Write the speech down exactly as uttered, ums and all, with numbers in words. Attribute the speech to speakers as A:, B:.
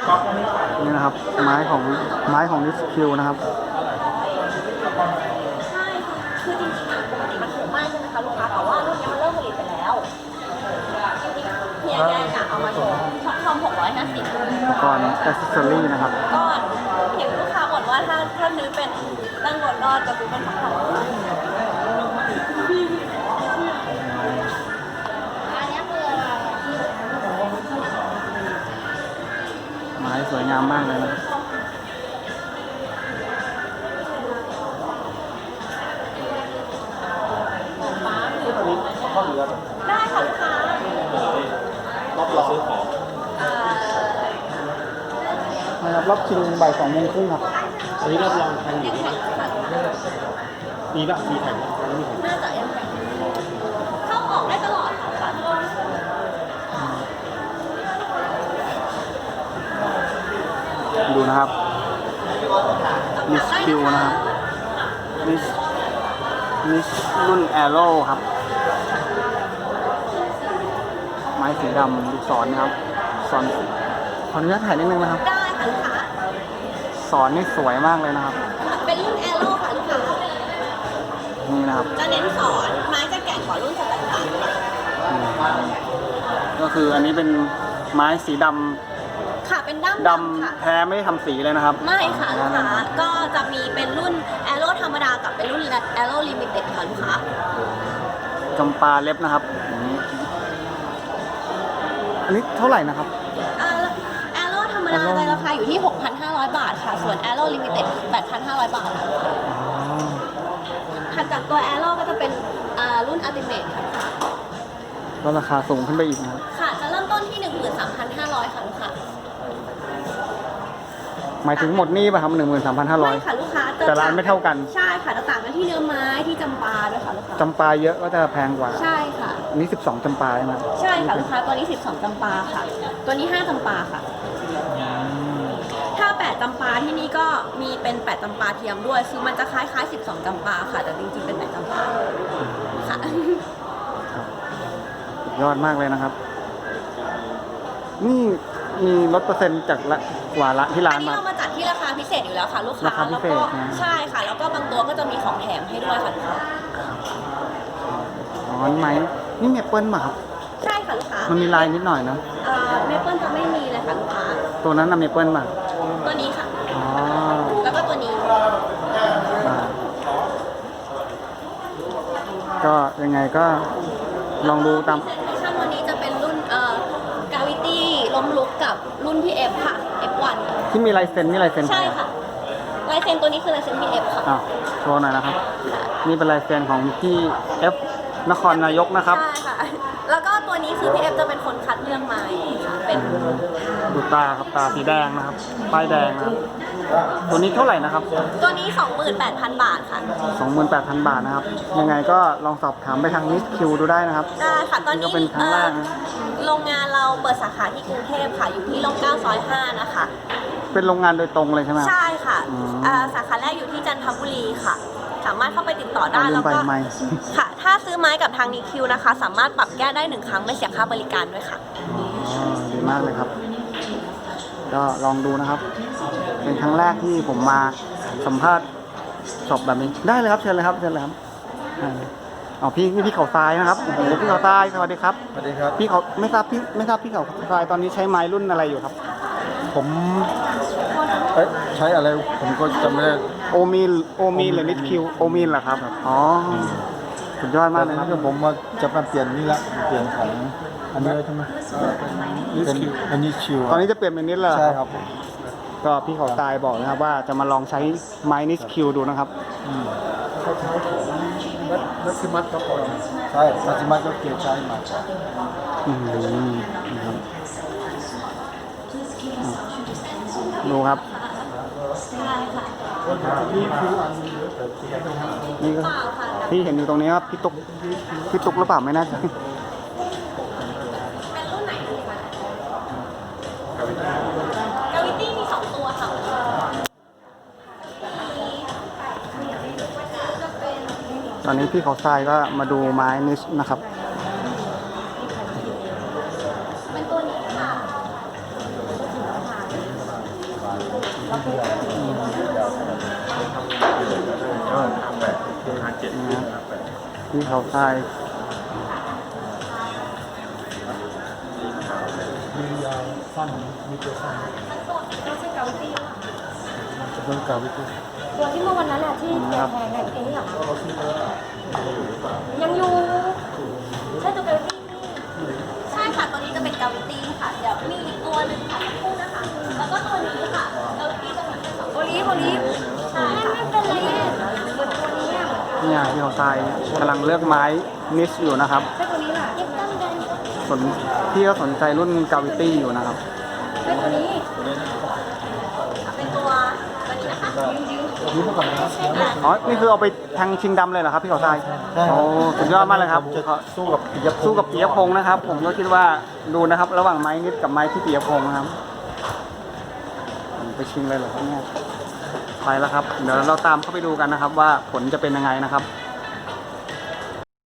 A: นี่นะครับไม้ของไม้ของนิสคิวนะครับ
B: ใช่คือจริงๆอะปกติมันถูกมากใช่ไหมคะลูกค้าแต่ว่ารุ่นนี้มันเริ่มผลิตไปแล้วจริงๆเพียงแค่จะเอามาโชว์ช็อปทอมหกร้อยห้าสิบ
A: อุปกรณ์แอคเซสซอรี่นะครับ
B: ก็เห็นลูกค้าบ่นว่าถ้าถ้าซื้อเป็นตั้งบนก็จะซื้อเป็นช็อปทอมอันนี้คืออะไร
A: ไม้สวยงามมากเลยนะ
B: ได้ค่ะลูกค้า
A: รับรองซื้อของนะครับรับชิงบ่ายสองโมงครึ่งครับ
C: อันนี้รับรองทันอยู่มีแบบมีแข่งมีแข่ง
B: น่าจะยังแข่งเข้าออกได้ตลอดค่ะ
A: ดูนะครับมิสคิวนะครับมิสมิสรุ่นแอโร่ครับไม้สีดำลูกศรนะครับสอนขออนุญาตถ่ายนิดนึงนะครับ
B: ได้ค่ะลูกค้า
A: สอนนี่สวยมากเลยนะครับ
B: เป็นรุ่นแอโร่ค่ะลูกค้า
A: นี่นะครับ
B: จะเน้นสอนไม้จะแก่งกว่ารุ่นสแตนดาร์ด
A: ก็คืออันนี้เป็นไม้สีดำ
B: ค่ะเป็นด้าม
A: ดำแท้ไม่ได้ทำสีเลยนะครับ
B: ไม่ค่ะลูกค้าก็จะมีเป็นรุ่นแอโร่ธรรมดากับเป็นรุ่นแอโร่ลิมิเต็ดค่ะลูกค้า
A: จำปาเล็บนะครับอันนี้เท่าไหร่นะครับ
B: แอโร่ธรรมดาในราคาอยู่ที่ หกพันห้าร้อย บาทค่ะส่วนแอโร่ลิมิเต็ด แปดพันห้าร้อย บาทค่ะถัดจากตัวแอโร่ก็จะเป็นรุ่นอัลติเมทค่ะ
A: ก็ราคาสูงขึ้นไปอีกนะครับ
B: ค่ะจะเริ่มต้นที่ หนึ่งหมื่นสามพันห้าร้อย ค่ะลูกค้า
A: หมายถึงหมดนี่ป่ะครับหนึ่งหมื่นสามพันห้าร้อย
B: ไม่ค่ะลูกค้า
A: แต่ร้านไม่เท่ากัน
B: ใช่ค่ะต่างกันที่เนื้อไม้ที่จำปาด้วยค่ะลูกค้า
A: จำปาเยอะก็จะแพงกว่า
B: ใช่ค่ะ
A: อันนี้สิบสองจำปาใช่ไหม
B: ใช่ค่ะลูกค้าตัวนี้สิบสองจำปาค่ะตัวนี้ห้าจำปาค่ะถ้าแปดจำปาที่นี่ก็มีเป็นแปดจำปาเทียมด้วยคือมันจะคล้ายๆสิบสองจำปาค่ะแต่จริงๆเป็นแปดจำปาค่ะ
A: สุดยอดมากเลยนะครับนี่มีลดเปอร์เซ็นต์จากละกว่าละที่ร้านมา
B: อันนี้เรามาจัดที่ราคาพิเศษอยู่แล้วค่ะลูกค้าแล้วก็ใช่ค่ะแล้วก็บางตัวก็จะมีของแถมให้ด้วยค่ะลูกค้า
A: อ๋อนี่ไหมนี่เมเปิลป่ะครับ
B: ใช่ค่ะลูกค้า
A: มันมีลายนิดหน่อยนะ
B: เอ่อเมเปิลจะไม่มีเลยค่ะลูกค้า
A: ตัวนั้นนะเมเปิลป่ะ
B: ตัวนี้ค่ะ
A: อ๋อ
B: แล้วก็ตัวนี้
A: ก็ยังไงก็ลองดูตาม
B: ชั่นวันนี้จะเป็นรุ่นเอ่อกาวิตี้ล้มลุกกับรุ่นพี่เอฟค่ะ เอฟ วัน
A: ที่มีลายเซ็นนี่ลายเซ็น
B: ใช่ค่ะลายเซ็นตัวนี้คือลายเซ็นพี่เอฟค่ะ
A: อ้าวโชว์หน่อยนะครับนี่เป็นลายเซ็นของพี่เอฟนครนายกนะครับ
B: ใช่ค่ะแล้วก็ตัวนี้คือพี่เอฟจะเป็นคนคัดเลือกไม้ค่ะเป็น
A: ดูตาครับตาสีแดงนะครับป้ายแดงนะครับตัวนี้เท่าไหร่นะครับ
B: ตัวนี้ สองหมื่นแปดพัน บาทค่ะ
A: สองหมื่นแปดพัน บาทนะครับยังไงก็ลองสอบถามไปทางนิสคิวดูได้นะครับ
B: ได้ค่ะตอนนี้
A: ก็เป็นครั้งแรก
B: โรงงานเราเปิดสาขาที่กรุงเทพค่ะอยู่ที่ร่มเกล้าซอยห้านะคะ
A: เป็นโรงงานโดยตรงเลยใช่ไหม
B: ใช่ค่ะสาขาแรกอยู่ที่จันทบุรีค่ะสามารถเข้าไปติดต่อได้แล้วก็ค่ะถ้าซื้อไม้กับทางนิคิวนะคะสามารถปรับแก้ได้หนึ่งครั้งไม่เสียค่าบริการด้วยค่ะ
A: อ๋อดีมากเลยครับก็ลองดูนะครับเป็นครั้งแรกที่ผมมาสัมภาษณ์สอบแบบนี้ได้เลยครับเชิญเลยครับเชิญเลยครับอ๋อพี่นี่พี่เขาทรายนะครับโอ้โหพี่เขาทรายสวัสดีครับ
C: สวัสดีครับ
A: พี่เขาไม่ทราบพี่ไม่ทราบพี่เขาทรายตอนนี้ใช้ไม้รุ่นอะไรอยู่ครับ
C: ผมเอ๊ะใช้อะไรผมก็จำไม่ได้
A: โอมิลโอมิลหรือนิดคิวโอมิลเหรอครับอ๋อสุดยอดมากเลยครับ
C: ผมมาจะมาเปลี่ยนนี่ละเปลี่ยนของอันนี้ใช่ไหมเป็นอันนี้คิว
A: ตอนนี้จะเปลี่ยนเป็นนิดแล้ว
C: ใช่ครับ
A: ก็พี่เขาทรายบอกนะครับว่าจะมาลองใช้ไม้นิดคิวดูนะครับ
C: มัซิมัสครับใช่มัซิมัสก็เกี่ยวใช้มา
A: อืมดูครับนี่ก็พี่เห็นอยู่ตรงนี้ครับพี่ตุ๊กพี่ตุ๊กหรือเปล่าไม่น่าจะ
B: เป็นรุ่นไหนดีคะกาวิตี้มีสองตัวค่ะ
A: ตอนนี้พี่เขาทรายก็มาดูไม้นิชนะครับ
B: เป็นตัวนี้ค่ะ
A: นะที่เขาทราย
C: มียาวสั้นมีตัวสั้น
B: ไม่ใช่เกาตี้
C: เรื่องการวิจัย
B: ตัวที่เมื่อวันนั้นแหละที่แพงแพงๆเองเหรอยังอยู่ใช่ตัวเกาตี้ใช่ค่ะตัวนี้จะเป็นเกาตี้ค่ะเดี๋ยวมีอีกตัวหนึ่งค่ะสักครู่นะคะแล้วก็ตัวนี้ค่ะเกาตี้จะเหมือนกันสองตัวนี้ตัวนี้ใช่ไม่เป็นไรเหมือนตัวนี้อ่ะ
A: เนี่ยที่เขาทรายกำลังเลือกไม้นิชอยู่นะครับ
B: ใช่ตัวนี้แหละยิบตั้งกัน
A: สนพี่ก็สนใจรุ่นกาวิตี้อยู่นะครับ
B: ใช่ตัวนี้เป็นตัวตัวนี้นะคะยืด
C: นี่เมื่อก่อนนะครับ
A: อ๋อ นี่คือเอาไปแทงชิงดำเลยเหรอครับพี่เขาทรายโอ้สุดยอดมากเลยครับ
C: จะสู้กับปิยพงษ์
A: สู้กับปียพงษ์นะครับ ผมก็คิดว่าดูนะครับ ระหว่างไม้นิดกับไม้ที่ปียพงษ์นะครับไปชิงเลยเหรอครับเนี่ยไปแล้วครับ เดี๋ยวเราตามเข้าไปดูกันนะครับ ว่าผลจะเป็นยังไงนะครับ